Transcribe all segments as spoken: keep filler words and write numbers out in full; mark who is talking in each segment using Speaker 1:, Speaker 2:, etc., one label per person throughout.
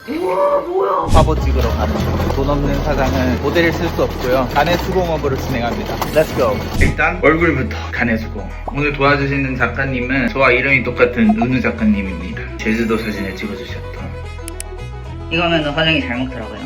Speaker 1: 우와 뭐야.
Speaker 2: 화보 찍으러 가는 돈 없는 사장은 모델을 쓸 수 없고요. 간의 수공업으로 진행합니다. Let's go. 일단 얼굴부터 간의 수공. 오늘 도와주시는 작가님은 저와 이름이 똑같은 은우 작가님입니다. 제주도 사진을 찍어주셨던.
Speaker 1: 이거는 화장이 잘 먹더라고요.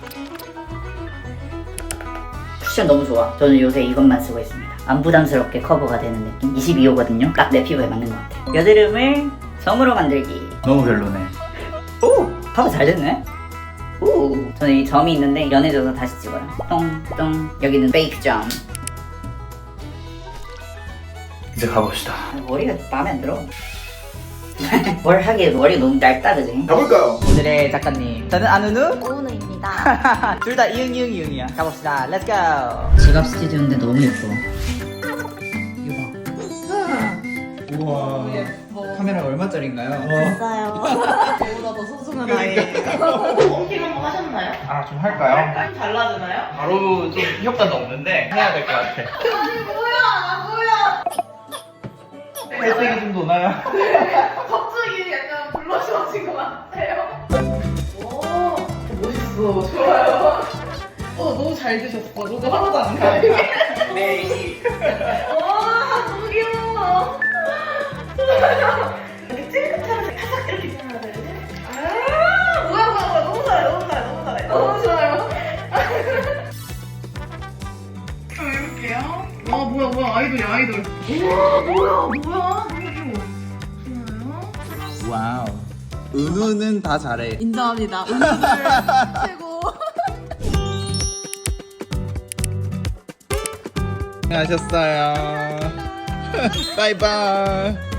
Speaker 1: 쿠션 너무 좋아. 저는 요새 이것만 쓰고 있습니다. 안 부담스럽게 커버가 되는 느낌. 이십이 호거든요. 딱 내 피부에 맞는 것 같아요. 여드름을 점으로 만들기.
Speaker 2: 너무 별로네.
Speaker 1: 오! 커버 잘 됐네? 오! 저는 이 점이 있는데 연해져서 다시 찍어요. 똥똥. 여기는 페이크 점.
Speaker 2: 이제 가봅시다.
Speaker 1: 머리가 마음에 안 들어. 뭘 하기에 머리가 너무 얇다 그지?
Speaker 2: 가볼까요? 오늘의 작가님 저는 안은우
Speaker 3: 오은우입니다.
Speaker 2: 둘 다 이응 이응 이응이야. 가봅시다. Let's go.
Speaker 1: 지갑 스튜디오인데 너무 예뻐.
Speaker 2: 우와. 카메라가 얼마짜리인가요?
Speaker 3: 있어요. 저보다 더 소중한 아이. 홈팅 한번 하셨나요?
Speaker 2: 아, 좀 할까요?
Speaker 3: 좀 달라지나요?
Speaker 2: 바로 좀 효과도 없는데 해야 될 것 같아.
Speaker 3: 아니 뭐야 뭐야.
Speaker 2: 혈색이 좀 도나요?
Speaker 3: 갑자기 약간 블러셔진 것 같아요. 오 멋있어. 좋아요. 어 너무 잘 드셨어. 너무 하나도 안 가요.
Speaker 2: 네.
Speaker 3: 와 너무 귀여워. 이렇게 찔끔하면서 타삭 이렇게 있어야 되지? 아 뭐야 뭐야 뭐야 너무 잘해 너무 잘해 너무 잘해 너무 좋아요. 자 해볼게요. 와 뭐야 뭐야 아이돌이야 아이돌. 우와 뭐야 뭐야 너무 귀여워. 좋아요.
Speaker 2: 와우. 은우는 다 잘해.
Speaker 3: 인정합니다. 은우들 최고.
Speaker 2: 수고하셨어요. 바이바이.